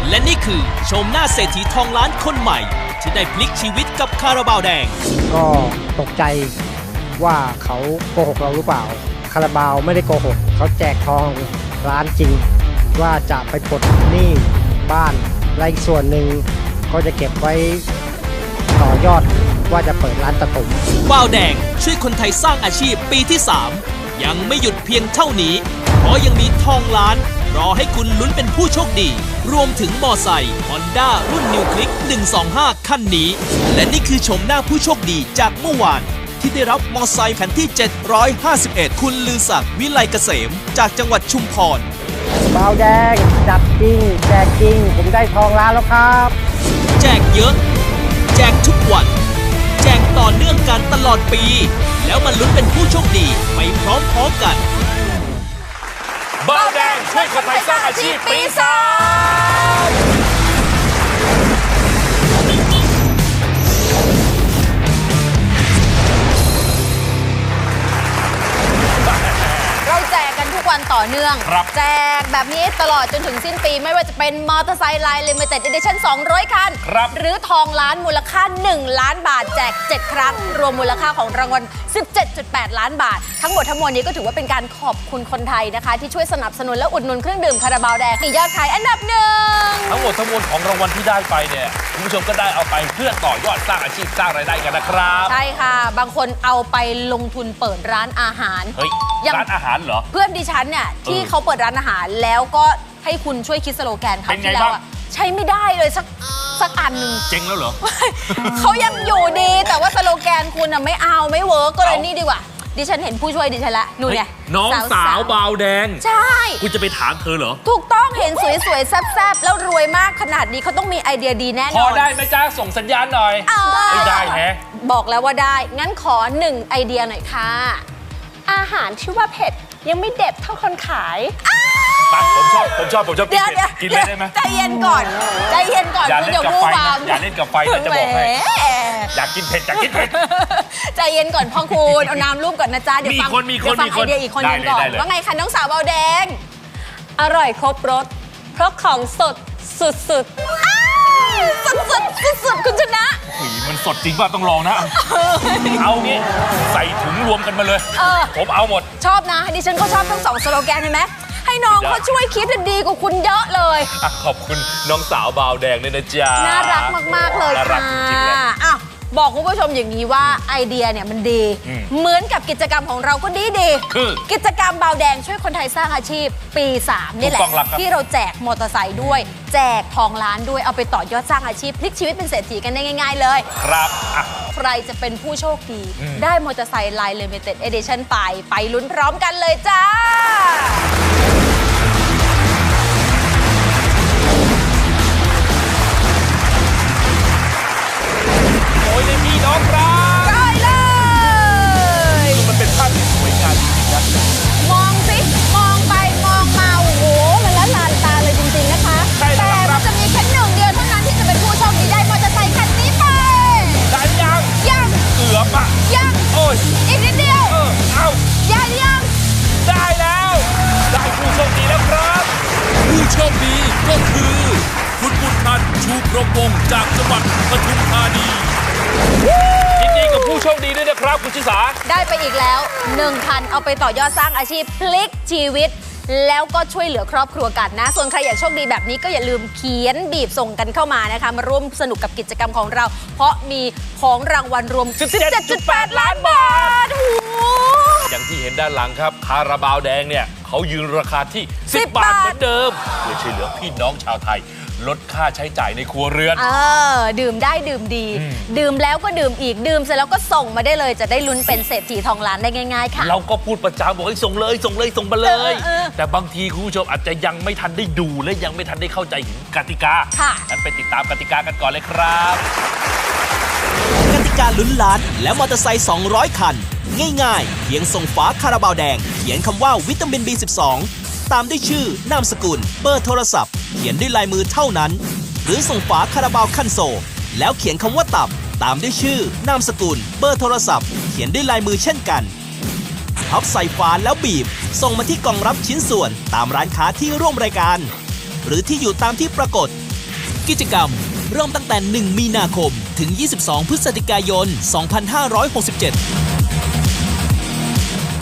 และนี่คือชมหน้าเศรษฐีทองล้านคนใหม่ที่ได้พลิกชีวิตกับคาราบาวแดงก็ตกใจว่าเขาโกหกเราหรือเปล่าคาราบาวไม่ได้โกหกเขาแจกทองล้านจริงว่าจะไปปลดหนี้บ้านและอีกส่วนหนึ่งเขาจะเก็บไว้ต่อยอดว่าจะเปิดร้านตัดผมบาวแดงช่วยคนไทยสร้างอาชีพปีที่ 3ยังไม่หยุดเพียงเท่านี้เพราะยังมีทองล้านรอให้คุณลุ้นเป็นผู้โชคดีรวมถึงมอไซค์ Honda รุ่น New Click 125 คันนี้และนี่คือชมหน้าผู้โชคดีจากเมื่อวานที่ได้รับมอไซค์คันที่ 751 คุณลือศักดิ์วิไลเกษมจากจังหวัดชุมพรบาวแดงจับจริงแจกจริงผมได้ทองล้านแล้วครับแจกเยอะแจกทุกวันแจกต่อเนื่องกันตลอดปีแล้วมาลุ้นเป็นผู้โชคดีไปพร้อมๆกันบาวแดงช่วยคนไทยสร้างอาชีพปี 3 เราแจกกันทุกวันต่อเนื่องแจกแบบนี้ตลอดจนถึงสิ้นปีไม่ว่าจะเป็นมอเตอร์ไซค์ไลน์ Limited Edition 200 คันหรือทองล้านมูลค่า1 ล้านบาทแจก7 ครั้งรวมมูลค่าของรางวัล 17.8 ล้านบาททั้งหมดทั้งมวลนี้ก็ถือว่าเป็นการขอบคุณคนไทยนะคะที่ช่วยสนับสนุนและอุดหนุนเครื่องดื่มคาราบาวแดงมียอดขายอันดับ 1 ทั้งหมดทั้งมวลของรางวัลที่ได้ไปเนี่ยคุณผู้ชมก็ได้เอาไปเพื่อต่อยอดสร้างอาชีพสร้างรายได้กันนะครับใช่ค่ะบางคนเอาไปลงทุนเปิดร้านอาหารเฮ้ยร้านอาหารเหรอเพื่อนดิฉันเนี่ยที่เขาเปิดร้านอาหารแล้วก็ให้คุณช่วยคิดสโลแกนเขาที่แล้วใช้ไม่ได้เลยสักอันหนึ่งเจ๊งแล้วเหรอเขายังอยู่ดีแต่ว่าสโลแกนคุณไม่เอาไม่เวิร์กก็เลยนี่ดีกว่าดิฉันเห็นผู้ช่วยดิฉันละนู่นไงน้องสาวบาวแดงใช่คุณจะไปถามเธอเหรอถูกต้องเห็นสวยๆแซ่บๆแล้วรวยมากขนาดนี้เขาต้องมีไอเดียดีแน่นอนพอได้ไหมจ้าส่งสัญญาณหน่อยไม่ได้แฮะบอกแล้วว่าได้งั้นขอ1ไอเดียหน่อยค่ะอาหารที่ว่าเผ็ดยังไม่เด็ดเท่าคนขายผมชอบกินเลยได้ไหมใจเย็นก่อนคุณอย่าพูดความอย่าเล่นกับไฟนะจะบอกให้อยากกินเผ็ดใจเย็นก่อนพ่อคุณเอาน้ำรูปก่อนนะจ๊ะเดี๋ยวฟังไอเดียอีกคนนึงก่อนว่าไงคะน้องสาวเบาแดงอร่อยครบรสเพราะของสดสุดคุณชนะมันสดจริงป่ะต้องลองนะเอางี้ใส่ถุงรวมกันมาเลยผมเอาหมดชอบนะดิฉันก็ชอบทั้ง2สโลแกนเห็นไหมให้น้องเขาช่วยคิดดีกว่าคุณเยอะเลยขอบคุณน้องสาวบาวแดงด้วยนะจ๊ะน่ารักมากๆเลยค่ะบอกคุณผู้ชมอย่างนี้ว่าไอเดียเนี่ยมันดีเหมือนกับกิจกรรมของเราก็ดีกิจกรรมบาวแดงช่วยคนไทยสร้างอาชีพปี 3นี่แหละที่เราแจกมอเตอร์ไซค์ด้วยแจกทองล้านด้วยเอาไปต่อยอดสร้างอาชีพพลิกชีวิตเป็นเศรษฐีกันได้ง่ายๆเลยครับใครจะเป็นผู้โชคดีได้มอเตอร์ไซค์ไลน์ Limited Edition ไปลุ้นพร้อมกันเลยจ้าพี่น้องครับได้เลยมันเป็นภาพที่สวยงามจริงๆนะมองสิมองไปมองมาโอ้โหมันละลานตาเลยจริงๆนะคะแต่มันจะมีแค่1 เดียวเท่านั้นที่จะเป็นผู้โชคดีได้มอเตอร์ไซค์คันนี้ไปได้ยังเกือบยังโอ้ยอีกนิดเดียวเอายังได้แล้วได้ผู้โชคดีแล้วครับผู้โชคดีก็คือคุณบุญทันชูพรหมวงศ์จากจังหวัดปทุมธานียินดีกับผู้โชคดีด้วยนะครับคุณชิสาได้ไปอีกแล้ว1,000เอาไปต่อยอดสร้างอาชีพพลิกชีวิตแล้วก็ช่วยเหลือครอบครัวกันนะส่วนใครอยากโชคดีแบบนี้ก็อย่าลืมเขียนบีบส่งกันเข้ามานะคะมาร่วมสนุกกับกิจกรรมของเราเพราะมีของรางวัลรวม 17.8 ล้านบาทอย่างที่เห็นด้านหลังครับคาราบาวแดงเนี่ยเขายืนราคาที่10 บาทเหมือนเดิมเพื่อช่วยเหลือพี่น้องชาวไทยลดค่าใช้จ่ายในครัวเรือนดื่มได้ดื่มดีดื่มแล้วก็ดื่มอีกดื่มเสร็จแล้วก็ส่งมาได้เลยจะได้ลุ้นเป็นเศรษฐีทองล้านได้ง่ายๆค่ะเราก็พูดประจำบอกให้ส่งมาเลยแต่บางทีคุณผู้ชมอาจจะยังไม่ทันได้ดูและยังไม่ทันได้เข้าใจถึงกติกางั้นไปติดตามกติกากันก่อนเลยครับกติกาลุ้นล้านและมอเตอร์ไซค์200 คันง่ายๆเพียงส่งฝาคาราบาวแดงเขียนคำว่าวิตามิน B12ตามด้วยชื่อนามสกุลเบอร์โทรศัพท์เขียนด้วยลายมือเท่านั้นหรือส่งฝาคาราบาวคันโซลแล้วเขียนคำว่าตับตามด้วยชื่อนามสกุลเบอร์โทรศัพท์เขียนด้วยลายมือเช่นกันพับใส่ฝาแล้วบีบส่งมาที่กล่องรับชิ้นส่วนตามร้านค้าที่ร่วมรายการหรือที่อยู่ตามที่ปรากฏกิจกรรมเริ่มตั้งแต่ 1 มีนาคมถึง 22 พฤศจิกายน 2567